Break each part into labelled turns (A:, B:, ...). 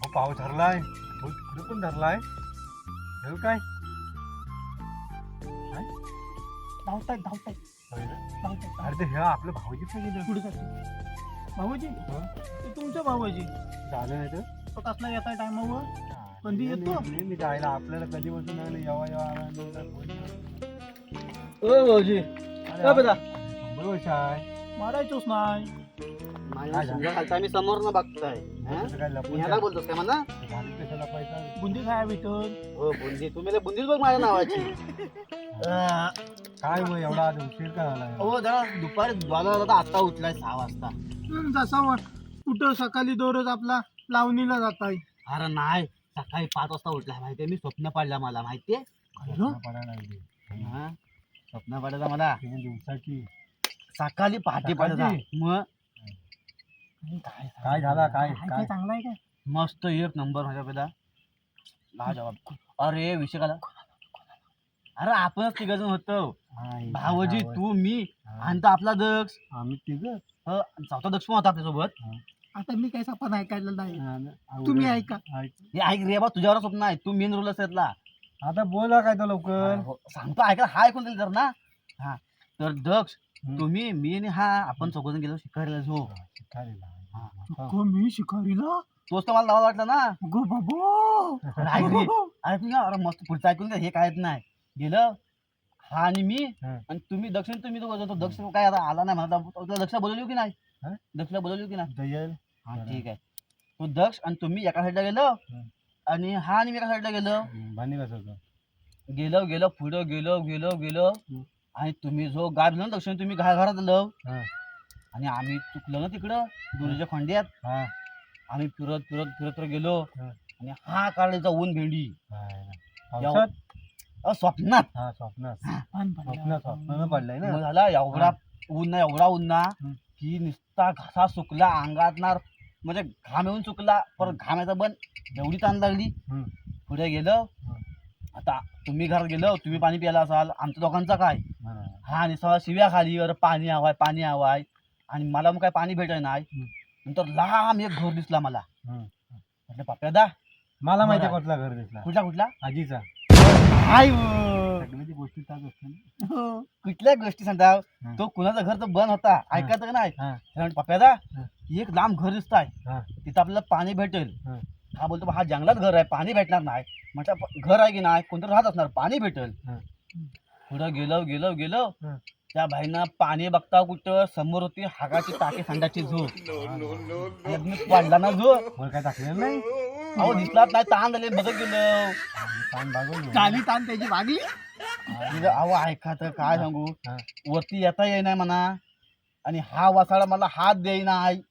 A: पाव धरलाय तिकडे पण धरलाय हे काय
B: धावतायत
A: अरे ते हे आपलं भाऊजी पण गेलं
B: पुढे जातो भाऊजी ते तुमच्या भाऊजी
A: झालं नाही तर
B: तो कसला येताय टायमावर कधी येतो
A: मी जायला आपल्याला कधी बसून लागले येवा
B: ओ भाऊजी का बेटा
A: 100 वर्ष आहे
B: मारायचोच नाही
C: माझ्या समजा खालचा मी समोर न बघताय
A: तसं काय लपून
C: ह्याला बोलतोस काय म्हणा
A: झाली कशाला पाहिजे
B: बुंदी खाया भेटल
C: हो बुंदी तुम्ही बुंदीच बघ माझ्या नावाची
A: काय मग एवढा आज उशीर का झाला
C: हो जरा दुपारी द्वाला तर आता उठलाय 6 वाजता
B: जसा कुठं सकाळी दररोज आपला लावणीला जाताय
C: अरे नाही सकाळी 5 वाजता उठलाय माहितीये मी स्वप्न पडला मला माहितीये
A: पडायला लागली
C: हा, स्वप्न पडला मला
A: दिवसाची
C: सकाळी पहाटे पडला मग
A: काय झाला काय
B: काय चांगला आहे काय
C: मस्त एक नंबर माझ्या पहिला लाजवाब अरे विषय काला अरे आपणच तिघजण होतो भावजी तू मी आणि तो आपला दक्ष
A: आम्ही तिघ
C: चौथा दक्ष पण होता आपल्यासोबत
B: आता मी काय पण ऐकायला नाही तुम्ही ऐका
C: हे ऐक रे बा तुझ्यावर स्वप्न आहे तू मेन रोल असेल
A: आता बोला काय तो लवकर
C: सांगतो ऐका हा ऐकून दिल तर ना हा तर दक्ष तुम्ही मी आणि हा आपण चौघजण गेलो शिकारीला जो
B: मी शिकारीला
C: तोच तर मला लावा वाटलं ना
B: गो बाबो
C: अरे ऐक रे ऐकून घ्या अरे मस्त पुढचं ऐकून घ्या हे काय नाही गेलं हा आणि मी आणि तुम्ही दक्षिण तुम्ही तो दक्ष काय आता आला नाही मला तुला दक्षला बोलवली की नाही दक्षला बोलवली की नाही
A: दयल
C: हा ठीक आहे तो दक्ष आणि तुम्ही एका साईडला गेलो आणि हा आणि मी एका साईडला गेलो
A: भांडी कसं होतं
C: गेलो गेलो पुढं गेलो गेलो गेलो आणि तुम्ही जो गाय दिला ना दक्षिण तुम्ही घरात आलो आणि आम्ही चुकलो ना तिकडं दोन्हीच्या खंड्यात आम्ही फिरत फिरत फिरत फिरत गेलो आणि हा काढायचा ऊन भेंडी स्वप्नात
A: स्वप्न पडलंय ना
C: मग झाला एवढा ऊन ना की नुसता घसा सुकला अंगात ना म्हणजे घाम येऊन चुकला परत घामाचा बन एवढी ताण लागली पुढे गेलो आता तुम्ही घरात गेलो तुम्ही पाणी प्यायला असाल आमच्या दोघांचा काय हा निसर्ग शिव्या खाली अरे पाणी हवाय आणि मला मग काय पाणी भेटाय नाही नंतर लांब एक घर दिसला मला म्हटलं पप्प्यादा
A: मला माहिती कुठला घर दिसला
C: कुठला
A: आजीचा
C: काय
A: सगळ्याची गोष्टी ताच असते ना
C: कुठल्या गोष्टी सांगता तो कुणाचा घर तर बंद होता ऐकायचं का नाही पप्प्यादा एक लांब घर दिसत आहे तिथं आपल्याला पाणी भेटेल हा बोलतो हा जंगलात घर आहे पाणी भेटणार नाही म्हटलं घर आहे की नाही कोणतं राहत असणार पाणी भेटेल पुढं गेलो गेलो गेलो त्या भाईनं पाणी बघता कुठं समोर होती हागाची टाकी संडाची झोप वाढला ना झोप
A: काय टाकलेलं नाही
C: अहो दिसलाच नाही ताण झाले बघत गेलो
A: ताण भागवली
B: चाली ताण त्याची भागली
C: अहो ऐका तर काय सांगू वरती येता येई नाही म्हणा आणि हा वासाळा मला हात देई नाही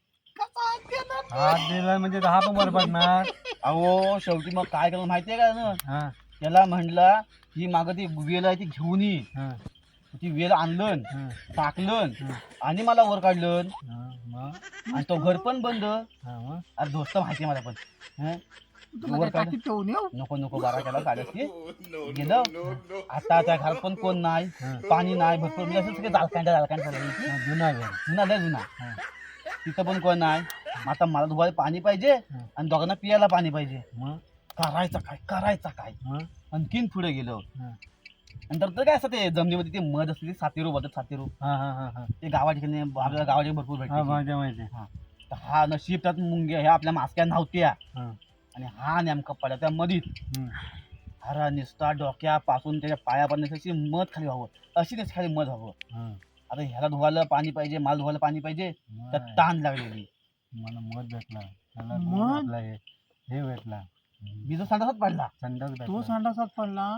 A: हात दिला म्हणजे हा पण वर पडणार
C: अहो शेवटी मग काय केलं माहितीये का ना त्याला म्हणलं ही मागं ती वेल आहे ती घेऊन ये ती वेल आणलं टाकलं आणि मला वर काढलं आणि तो घर पण बंद अरे दोस्त माहिती मला पण वर काढ नको नको बारा केला काढायची गेलं आता त्या घरात पण कोण नाही पाणी नाही भरपूर म्हणजे असं सगळं जालकांड
A: जुना घर
C: जुना लय जुना तिथं पण कोण नाही आता मला धुवायला पाणी पाहिजे आणि दोघांना पियाला पाणी पाहिजे
A: मग
C: करायचा काय आणखीन पुढे गेलो नंतर तर काय असं ते जमिनीमध्ये ते मध असते सातेरू बोलतात सातेरू ते गावा ठिकाणी आपल्याला गावा ठिकाणी भरपूर भेटते हा नशीब त्यात मुंग्या ह्या आपल्या मास्क्या नव्हत्या आणि हा नेमका पडला त्या मधीत अरे निसता डोक्यापासून त्याच्या पायापर्यंत अशी मध खाली व्हावं अशी त्याची खाली मध हवं आता ह्याला धुवायला पाणी पाहिजे माल धुवायला पाणी पाहिजे तर ताण लागलेली
A: मला मध भेटला हे भेटला
C: मी जो संडासात पडला
B: तो संडासात पडला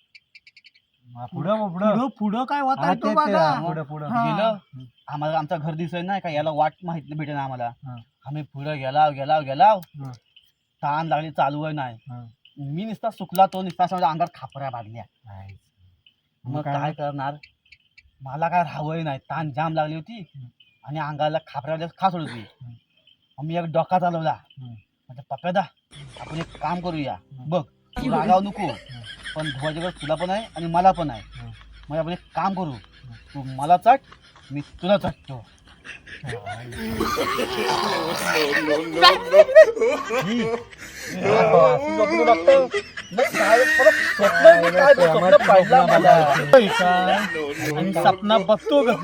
A: पुढं
B: पुढं काय होता तो बघा
C: गेलं आम्हाला आमचं घर दिसत नाही का याला वाट माहिती भेटे ना आम्हाला आम्ही पुढे गेला ताण लागली चालू आहे नाही मी नुसता सुकला तो नुसता समजा अंगात खापऱ्या बांधल्या मग काय करणार मला काय राहावंही नाही ताण जाम लागली होती आणि अंगाला खापऱ्या खास होती मी एक डोका चालवला म्हणजे पप्प्यादा आपण एक काम करूया बघ तू रागाव नको पण धुवायच्या वेळेस तुला पण आहे आणि मला पण आहे मग आपण एक काम करू तू मला चट मी तुला चटतो
A: स्वप्न बघतो
C: स्वप्न पाहिलं मला.
A: आणि सपना बघतो ग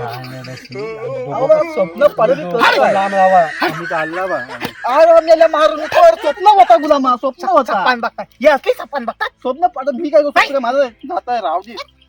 C: स्वप्न पाहिलं
A: लांब राहावा आम्ही चालला बा
C: मारून स्वप्न होता गुलामा, स्वप्न होता.
B: सपान बघताय हे असली सपान बघतात
C: स्वप्न पाडत मी काय स्वप्न माझं जात आहे रावजी.